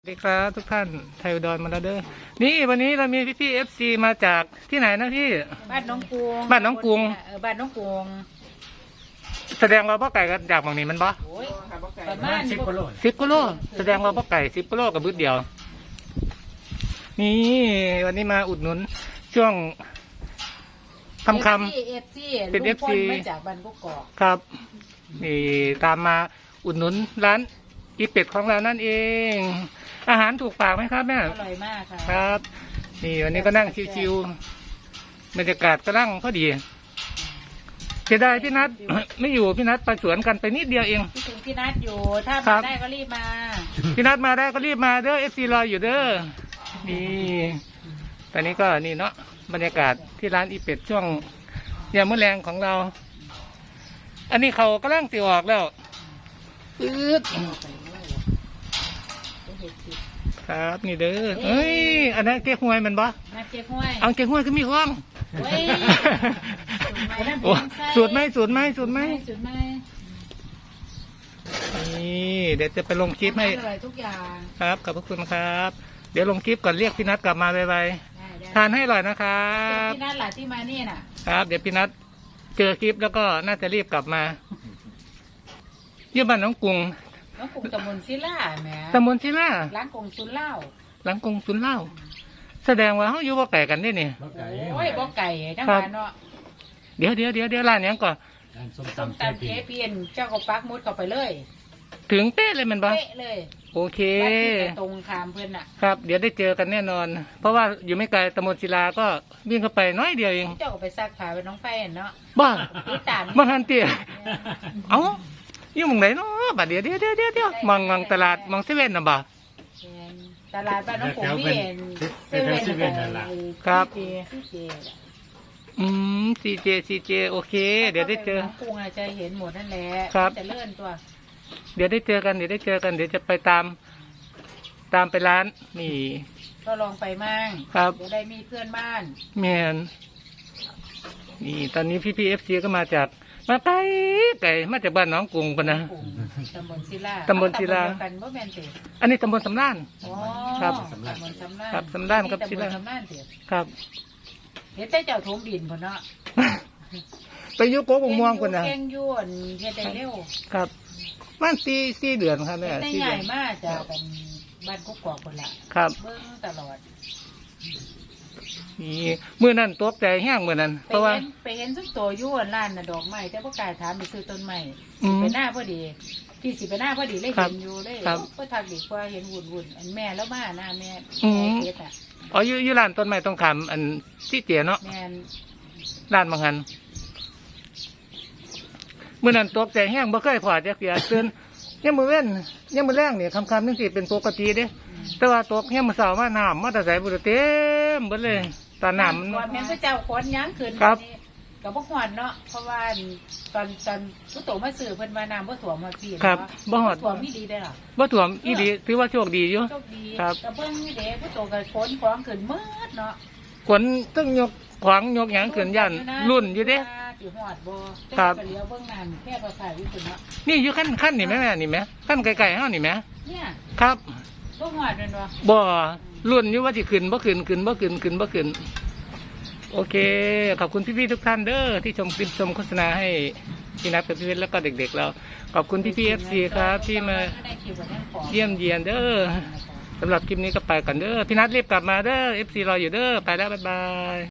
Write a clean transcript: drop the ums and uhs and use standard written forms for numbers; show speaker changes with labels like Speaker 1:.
Speaker 1: สวัสดีครับทุกท่านไทยอุดรมาแล้วเด้อนี่วันนี้เรามีพี่ๆ FC มาจากที่ไหนนะพี่
Speaker 2: บ้านน้องกรุง
Speaker 1: บ้านน้องกรุง
Speaker 2: บ้านน้องกรุง
Speaker 1: แสดงว่าพ่อไก่กันจากหมองนี้มันบ่
Speaker 2: โอ้ยประมาณ
Speaker 1: 10 กิโลแสดงว่าพ่อไก่10 กิโลกับบึ้ดเดียวนี่วันนี้มาอุดหนุนช่วงคำเป็น FC
Speaker 2: มาจากบ้านกุ๊กกอก
Speaker 1: ครับนี่ตามมาอุดหนุนร้านอีเป็ดของเรานั่นเองอาหารถูกปากไหมครับแม่
Speaker 2: อร่อยมากค่ะ
Speaker 1: ครับนี่วันนี้ก็นั่งชิวๆบรรยากาศกำลังพอดีเสียดายพี่นัท ไม่อยู่พี่นัทไปสวนกันไปนิดเดียวเอง
Speaker 2: พี่ถึงพี่นัทอยู่ถ้ามาได้ก็รีบมา
Speaker 1: พี่นัทมาได้ก็รีบมาเด้อ FC รออยู่เด้อนี่ตอนนี้ก็นี่เนาะบรรยากาศที่ร้านอีเป็ดช่วงยามมื้อแรงของเราอันนี้เขากำลังติออกแล้วครับนี่เด้อเอ้ยอันนั้นเก๊กฮวยมันบ่
Speaker 2: นัดเก๊กฮวย
Speaker 1: เอาเก๊กฮวยก็มีห้องสูตรไหมนี่เดี๋ยวจะไปลงคลิปให้
Speaker 2: ทุกอย่าง
Speaker 1: ครับขอบพระคุณครับเดี๋ยวลงคลิปก่อนเรียกพี่นัทกลับมาไวๆทานให้อร่อยนะครับ
Speaker 2: พี่นัทหล่ะที่มานี่น่ะ
Speaker 1: ครับเดี๋ยวพี่นัทเจอคลิปแล้วก็น่าจะรีบกลับมาเยี่ยมบ้านน้องกรุง
Speaker 2: ตำบลศิลาแหม
Speaker 1: ตำบลศิลา
Speaker 2: หลังกงสุนเล่า
Speaker 1: หลังกงสุนเล่าแสดงว่าเขาอยู่บ่ไก่กันได้เนี่ย
Speaker 2: โอ้ยบ่ไก่จังหวะเนาะ
Speaker 1: เดี๋ยวร้านนี้ก่อน
Speaker 2: ส้มตำเจ๊เพียนเจ้าก็ปักมุดเข้าไปเลย
Speaker 1: ถึงเป๊ะเลยมันบ่
Speaker 2: เป๊ะเลย
Speaker 1: โอเค
Speaker 2: ตรงคามเพื่อนอ่ะ
Speaker 1: ครับเดี๋ยวได้เจอกันแน่นอนเพราะว่าอยู่ไม่ไกลตำบลศิลาก็วิ่งเข้าไปน้อยเดียวเอง
Speaker 2: เจ้าก็ไปซักผ้าเป็นน้องไฟเนาะ
Speaker 1: บ้าบ้าฮันเตี้ยเอ้าอยู่มองไหนเนาะบัดเดี๋ยวมองตลาดมองเซเว่นนะบ่
Speaker 2: ตลาดบ้านน้องผมพี่เห็นเซเว่น
Speaker 1: ครับซีเจโอเคเดี๋ยวได้เจอ
Speaker 2: กุ้งจะเห็นหมดนั่นแหละจะเลื่อนตัว
Speaker 1: เดี๋ยวได้เจอกันเดี๋ยวจะไปตามไปร้านนี่
Speaker 2: ก็ลองไปมั่ง
Speaker 1: ครับ
Speaker 2: จะได้มีเพื่อนบ้าน
Speaker 1: แมนนี่ตอนนี้พี่FCก็มาไกลมาจากบ้านน้องกรุงกันนะ
Speaker 2: ตำบลศิลากันบ่แม่นติ
Speaker 1: อันนี้ตำบลสำราน
Speaker 2: ครับ
Speaker 1: ตำบลสำรานครับสำรานกับศิลาครับ
Speaker 2: เห็นแต่เจ้าถมดินพุ่นเนาะ
Speaker 1: ไปยุโกบงม่วงคนนะ
Speaker 2: แกงยวนเฮ็ดได้เร็ว
Speaker 1: ครับมัน4 เดือนครับแม่
Speaker 2: ได้ใหญ่มากจะเป็นบ้านกุ๊กกอกคนละ
Speaker 1: ครับ
Speaker 2: เบิ่งตลอด
Speaker 1: นี่เมื่อนั้นตกใจแห้งเมื่อนั้นเพราะว่า
Speaker 2: ไปเห็นทุกตัวยุ่นร้านน่ะดอกไม้แต่พวกกายถามไปซื้อต้นไม้ไปหน้าพอดีพี่สิไปหน้าพอดีเลยเห็นอยู่เลยก็ทักดีกว่าเห็นวุ่นอันแม่แล้วมาหน้าแม่เฮ็ดอ่ะ
Speaker 1: อ๋ออยู่ร้านต้นไม้ต้องคำอันที่เตี๋ยเนาะร้านบางหันเมื่อนั้นตกใจแห้งบ่เคยพอจะเสียตื่นยังมือเว้นยังมือแรงเนี่ยคำนึงสิเป็นปกติเด้แต่ว่าตกยังมือเสาร์มาน้ำมาแต่ใส่บุหรี่เต็มหมดเลยตอนน้ำมัน
Speaker 2: แม่ก็เจ้าขนยั้งขึ้นกับพวกหอดเนาะเพราะว่าตอนผู้โตมาสื่อเพิ่นมาน้ำบ่ถ่วมมาพี่
Speaker 1: ครับบ่หอด
Speaker 2: ถ่วมนี่ดีได้หรอ
Speaker 1: บ่ถ่วมอีดีถือว่าโชคดีอยู่
Speaker 2: โชคดี
Speaker 1: ครับ
Speaker 2: แต่เพิ่งนี่เด็กผู้โตกับขนของขึ้นมืดเนาะ
Speaker 1: ขนต้องยกขวางยกหยังขึ้นยันรุ่นอยู่เด้
Speaker 2: ครับเลี้ยวเบื้องน้ำแค่ประสาทวิสุทธิ์เนาะ
Speaker 1: นี่อยู่ขั้นนี่แม่นี่แม่ขั้นไกลๆห้านี่แม่
Speaker 2: เนี่ย
Speaker 1: ครับ
Speaker 2: บ่หอดเลยเนาะ
Speaker 1: บ่รุ่นอยู่ว่าสิขึ้นบ่ขึ้นโอเคขอบคุณพี่ๆทุกท่านเด้อที่ชมโฆษณาให้พี่นัทกับพี่เวทแล้วก็เด็กๆเราขอบคุณพี่ๆ FC ครับที่มาเยี่ยมเยียนเด้อสำหรับคลิปนี้ก็ไปก่อนเด้อพี่นัทรีบกลับมาเด้อ FC รออยู่เด้อไปแล้วบ๊ายบาย